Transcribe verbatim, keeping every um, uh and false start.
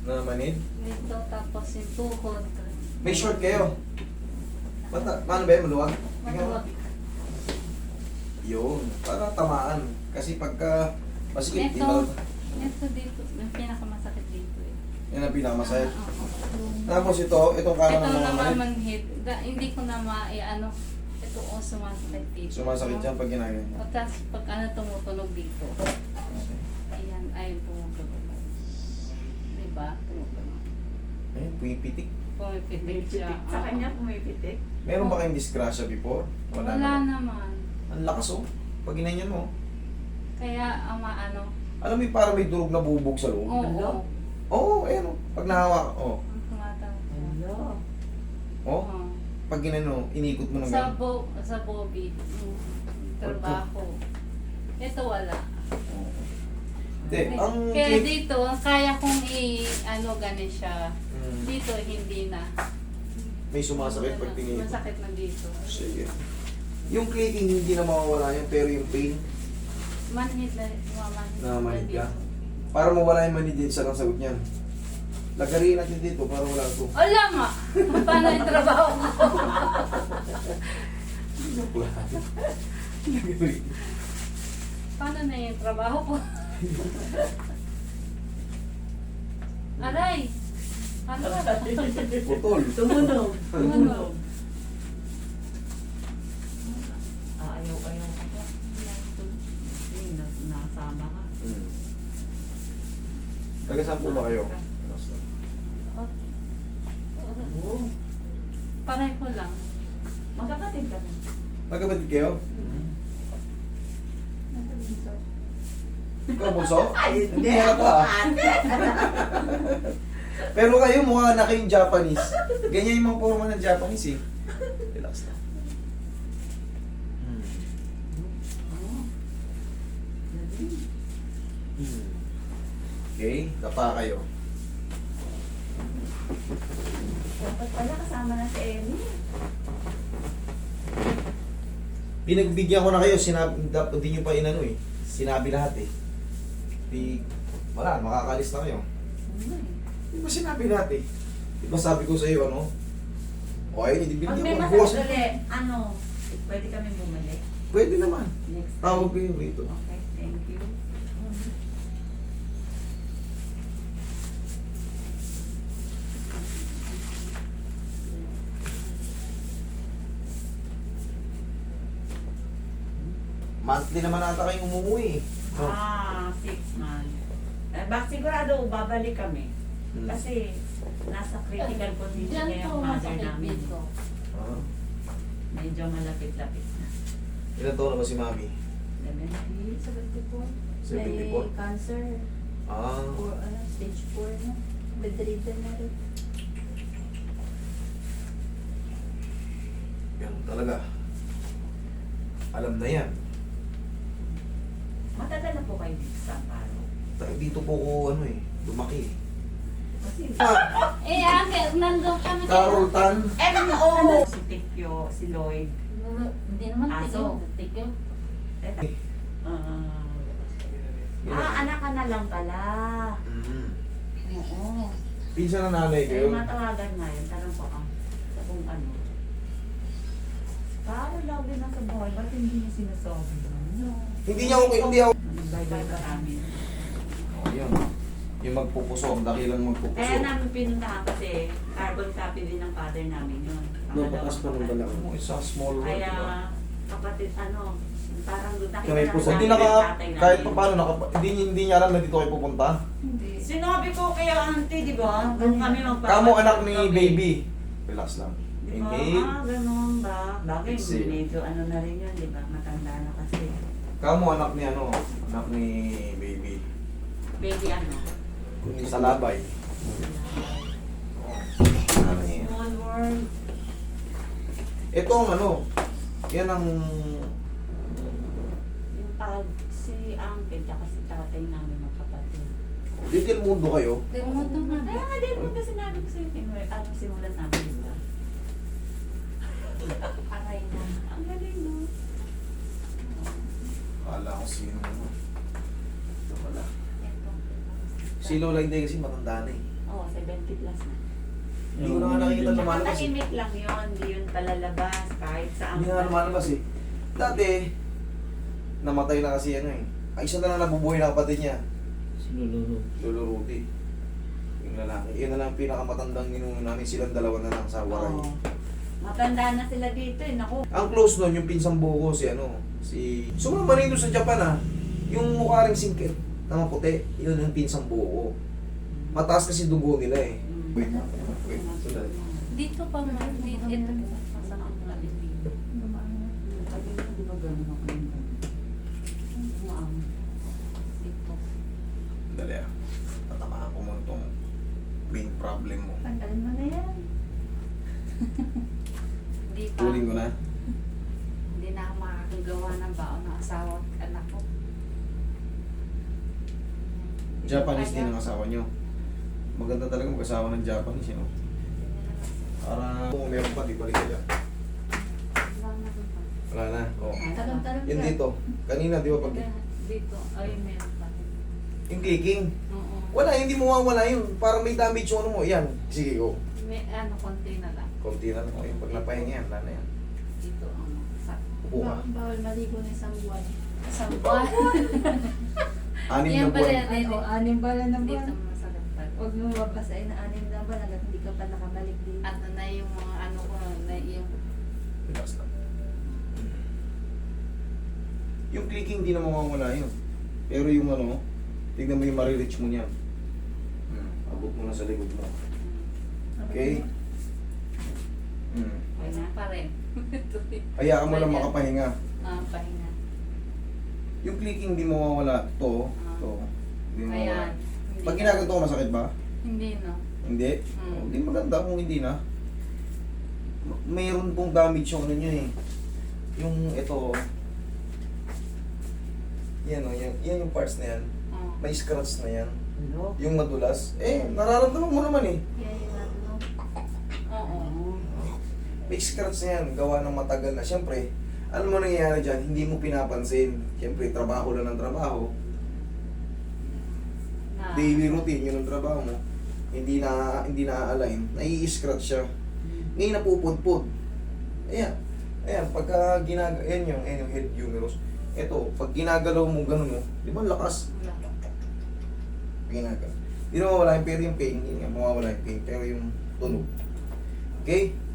Na manid? Dito, tapos yung tuhod. May short kayo. Ba't na- paano ba yun? Maluwag? Maluwag. Yun. Para tamaan. Kasi pagka masikip, di Ito, ba? ito dito, yung pinakamasakit dito eh. Yan ang pinakamasaya. Ah, oo. Tapos ito, itong kanan Ito ng mga naman manid. manhid. Da- Hindi ko na ma, eh, ano, ito o sumasakit dito. Sumasakit yan pag ginagawa. O, tapos pag ano tumutunog dito. Ayan, ay tumutunog. Diba? Tumutunog. Ayun, pumipitik. Pumipitik siya. Pumipitik. Sa Oo. kanya pumipitik. Meron ba kayong disgrasya before? Wala, naman. naman. Ang lakas oh. Pag ginanyan mo. Kaya, ama, ano, Alam mo yung parang may durog na bubog sa loob? oo. Hello? Oo, oh, ayun oh. Pag nahawak, oh. Ang tumatawag. Hello? Oh, Oo. pag ginano, inikot mo ng Sa, gano'n. bo, sa Bobby, yung trabaho. Ito wala. Hindi, ang... Kaya dito, kaya kong i, ano, ganin siya. Hmm, Dito, hindi na. may sumasakit pag tingin. Masakit na dito. Sige. Yung clicking hindi na mawawala yan, pero yung pain, Manhid na, mamanhid namamanid ka. dito. Para mawala yung manid din, isa lang sagot niyan. Lagarin natin dito para wala ito. Wala nga! Paano yung trabaho ko? Lagarin. Paano na yung trabaho ko? Aray! Ano ba? Putol. Tumunog. Tumunog. Ah, ayaw, ayaw ka pa. Hindi, nas- nasama ka. Hmm. Taga saan po ba kayo? Oo. Paray ko lang. Magkakatid ka na. Magkapatid kayo? Ikaw, bunso? Hindi halata ah. Pero kayo mukha na kayong Japanese. Ganyan yung mga forma ng Japanese eh. Relax na. Hmm. Oo. Galing. Hmm. Okay, tapa kayo. Dapat pala kasama na si Emmy. Pinagbigyan ko na kayo, sinabi, dapat hindi nyo pa inano eh. Sinabi lahat eh. Di, wala, makakalis na kayo. Ano eh. Di ba sinabi lahat eh? Di ba sabi ko sa iyo ano? O ayun, hindi Pag binigyan may ko. Bukas. masakit ulit, ano, pwede kami bumalik. Pwede naman. Next time. Tawag ko yun rito. Okay, thank you. Monthly naman ata kayong umuwi eh. No? Ah, six months. Eh, bak sigurado babalik kami. Hmm. Kasi nasa critical condition na Diyan po yung mother masakit namin. dito. Ah. Medyo malapit-lapit na. Ilan taon na ba si Mami? seventy, seventy-four. seventy-four? May cancer. Ah. Or ano, stage four na. Bedridden na rin. Yan talaga. Alam na yan. Matagal na po kayo dito sa Amparo. Ta- Dito po ko ano eh, lumaki eh. Kasi Ah, Eh, ate, nandun kami. Carol Tan. M O Si Tikyo, si Lloyd. Hindi naman Aso. tigil. Tigil. Teka. Ah, Yan. ah, anak ka na lang pala. Mm. Oo. Pinsan na nanay Eh, kayo. matawagan nga yun. Tanong ko ang kung ano. Para lagi na sa buhay, ba't hindi niya sinasabi? No. Hindi niya okay, hindi ako. Nag-bye-bye ka namin. Oh, yun. Yung magpupuso, ang dakilang magpupuso. Kaya namin pinuntahan kasi carbon copy din ng father namin yun. Napakas pa ng dala mo. Isa small world, Kaya diba? kapatid, ano, parang nakita Kaya may puso. namin Hindi yung naka, tatay namin. kahit pa paano, naka, hindi, hindi niya alam na dito kayo pupunta. Hindi. Sinabi ko kaya auntie, di ba? Kung kami magpapatid. Kamo anak ni baby. Relax lang. Di ba? Inhale. Ah, ganun ba? Bakit? Exhale. Medyo ano na rin yun, di ba? Matanda na kasi. Kamo anak ni ano, anak ni baby. Baby ano? Sa labay. Ano niya? Small world. Ito ang ano, yan ang Yung pag si uncle tsaka si tatay namin magkapatid. little mundo kayo. Tumuto na. Kaya nga din mo kasi sinabi ko sa'yo, Pinoy, ano simulan namin, di ba? Aray na. Ang galing, no? Kala ko sino ano. Ito pala. Ito. Si Lola hindi kasi matanda na eh. Oo, seventy plus na. Hindi ko na nga nakikita lumalabas eh. Nakatahimik lang yun, hindi yun palalabas kahit saan. Hindi nga lumalabas eh. Dati, namatay na kasi ano eh. Ay, isa na lang nabubuhay na kapatid niya. Sinulunod. Lolo Ruti. Yung lalaki. Yun na lang ang pinakamatandang ninuno namin. Silang dalawa na lang sa waray. Oo. Matanda na sila dito eh, naku. Ang close nun, yung pinsang buko, si ano, si... Sumama rin doon sa Japan ah. Yung mukha ring singkit na maputi, yun yung pinsang buko. Mataas kasi dugo nila eh. Wait, wait, sandali. Dito pa mo, dito, ito, masakit na rin dito. Sabi ko, di ba gano'n ako yung umaam. Dito. Dali ah. Tatamaan ko muna itong main problem mo. Tanggalin mo na yan. Hindi pa. Tuling ko na. Hindi na ako makakagawa ng baon ng asawa at anak ko. Japanese din ang asawa nyo. Maganda talaga mag-asawa ng Japanese, you know? Para kung meron pa, di balik kaya. Wala na. Oh. Talong-talong Yun ka. dito. Kanina, di ba pag... Dito, ay meron pa rin. Yung clicking. Oo. Wala, hindi mo mawawala yun. Parang may damage yung ano mo. Yan. Sige, go. May ano, konti na lang. Konti na lang. Okay. Pag napahinga yan, wala na yan. Dito, ano, sa Upo ka. Bawal, bawal maligo na isang buwan. isang buwan. Anim na Yan pala, buwan. Ano, anim ba na Dito buwan? masakit pa rin. Huwag mo mabasahin na anim na buwan hanggang hindi ka pa nakabalik dito. At na yung mga ano ko, na yung Relax lang. Yung clicking, di na mawawala yun. Pero yung ano, tignan mo yung marireach mo niyan. Hmm. Abot mo na sa likod mo. Okay? Hmm. wala pa rin. Hayaan mo lang Ayan. makapahinga. Ah, pahinga. Yung clicking, di mawawala. Ito, Ah. ito. Di mawawala. Ayan. Hindi Pag na- ginaganto ko, masakit ba? Hindi, no. Hindi? Hmm. Oh, Hindi maganda kung hindi na. M- Mayroon pong damage yung ano nyo eh. Yung ito. Yan o, yan, yan yung parts na yan. Oh. May scratch na yan. Hello? Yung madulas. Eh, nararamdaman mo naman eh. Yan yung ano. Oo. May scratch na yan, gawa ng matagal na. Siyempre, alam mo nangyayari dyan, hindi mo pinapansin. Siyempre, trabaho lang ng trabaho. Na, Daily routine, yun ang trabaho mo. Hindi na hindi na-align. Nai-scratch siya. Ngayon napupudpud. Ayan. Ayan, pagka ginag... Ayan yung, ayan yung head humerus. Ito, pag ginagalaw mo ganun mo, di ba lakas? wala. Ginagalaw. Hindi na mawawala yung pero yung pain. Hindi nga mawawala yung pain, pero yung tunog. Okay?